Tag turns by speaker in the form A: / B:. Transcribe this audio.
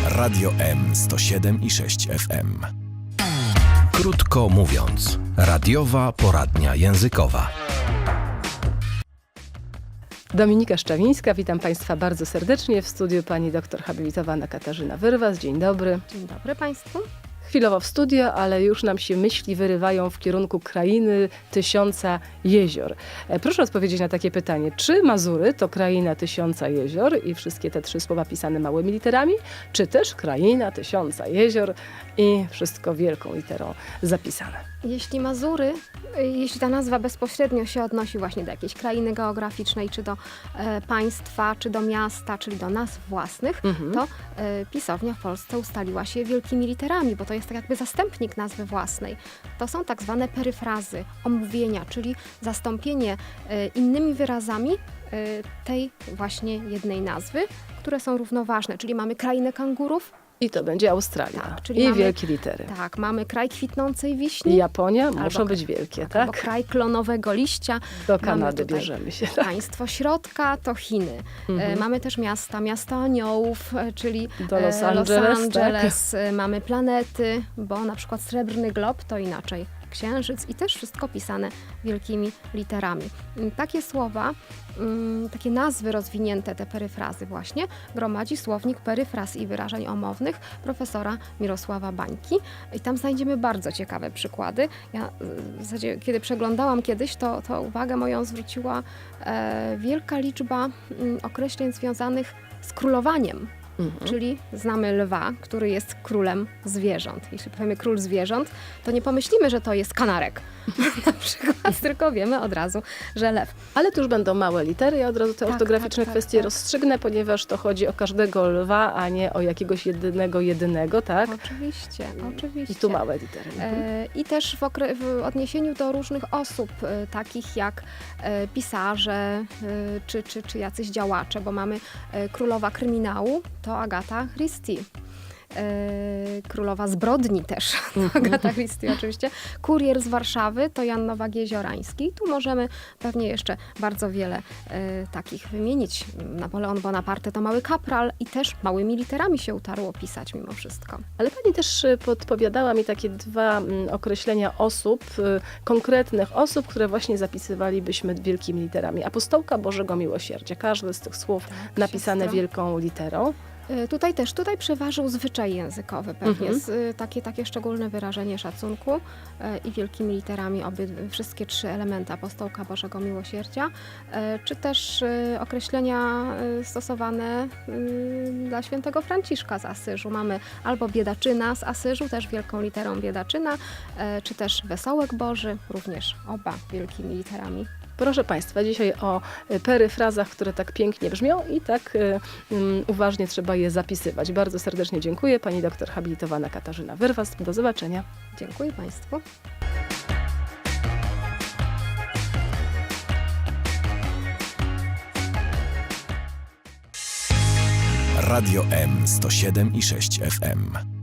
A: Radio M 107 i 6 FM. Krótko mówiąc, radiowa poradnia językowa.
B: Dominika Szczawińska, witam Państwa bardzo serdecznie. W studiu pani doktor habilitowana Katarzyna Wyrwas. Dzień dobry.
C: Dzień dobry Państwu.
B: Chwilowo w studio, ale już nam się myśli wyrywają w kierunku krainy tysiąca jezior. Proszę odpowiedzieć na takie pytanie. Czy Mazury to kraina tysiąca jezior i wszystkie te 3 słowa pisane małymi literami, czy też kraina tysiąca jezior i wszystko wielką literą zapisane?
C: Jeśli Mazury, jeśli ta nazwa bezpośrednio się odnosi właśnie do jakiejś krainy geograficznej, czy do państwa, czy do miasta, czyli do nazw własnych, to pisownia w Polsce ustaliła się wielkimi literami, bo to jest tak jakby zastępnik nazwy własnej. To są tak zwane peryfrazy, omówienia, czyli zastąpienie innymi wyrazami tej właśnie jednej nazwy, które są równoważne, czyli mamy krainę kangurów.
B: I to będzie Australia.
C: Tak, czyli
B: I
C: mamy,
B: wielkie litery.
C: Tak, mamy kraj kwitnącej wiśni.
B: I Japonia muszą być wielkie, tak?
C: Albo kraj klonowego liścia.
B: Do Kanady bierzemy się. Tak?
C: Państwo środka to Chiny. Mamy też miasto aniołów, czyli
B: do Los Angeles.
C: Tak? Mamy planety, bo na przykład Srebrny Glob to inaczej Księżyc i też wszystko pisane wielkimi literami. Takie słowa, takie nazwy rozwinięte, te peryfrazy właśnie, gromadzi słownik peryfraz i wyrażeń omownych profesora Mirosława Bańki. I tam znajdziemy bardzo ciekawe przykłady. Ja w zasadzie, kiedy przeglądałam kiedyś, to uwagę moją zwróciła wielka liczba określeń związanych z królowaniem. Czyli znamy lwa, który jest królem zwierząt. Jeśli powiemy król zwierząt, to nie pomyślimy, że to jest kanarek. Na przykład, tylko wiemy od razu, że lew.
B: Ale tu już będą małe litery. Ja od razu te ortograficzne kwestie rozstrzygnę, ponieważ to chodzi o każdego lwa, a nie o jakiegoś jedynego, tak?
C: Oczywiście.
B: I tu małe litery.
C: I też w odniesieniu do różnych osób, takich jak pisarze czy jacyś działacze, bo mamy królowa kryminału, to Agata Christie. Królowa zbrodni też, Agata Christie oczywiście. Kurier z Warszawy to Jan Nowak-Jeziorański. Tu możemy pewnie jeszcze bardzo wiele takich wymienić. Napoleon Bonaparte to mały kapral i też małymi literami się utarło pisać mimo wszystko.
B: Ale pani też podpowiadała mi takie 2 określenia osób, konkretnych osób, które właśnie zapisywalibyśmy wielkimi literami. Apostołka Bożego Miłosierdzia. Każde z tych słów napisane wielką literą.
C: Tutaj przeważył zwyczaj językowy pewnie, takie szczególne wyrażenie szacunku i wielkimi literami wszystkie 3 elementy apostołka Bożego Miłosierdzia, czy też określenia stosowane dla świętego Franciszka z Asyżu. Mamy albo biedaczyna z Asyżu, też wielką literą biedaczyna, czy też wesołek Boży, również oba wielkimi literami.
B: Proszę Państwa, dzisiaj o peryfrazach, które tak pięknie brzmią i tak uważnie trzeba je zapisywać. Bardzo serdecznie dziękuję. Pani doktor habilitowana Katarzyna Wyrwas. Do zobaczenia.
C: Dziękuję Państwu.
A: Radio M 107 i 6 FM.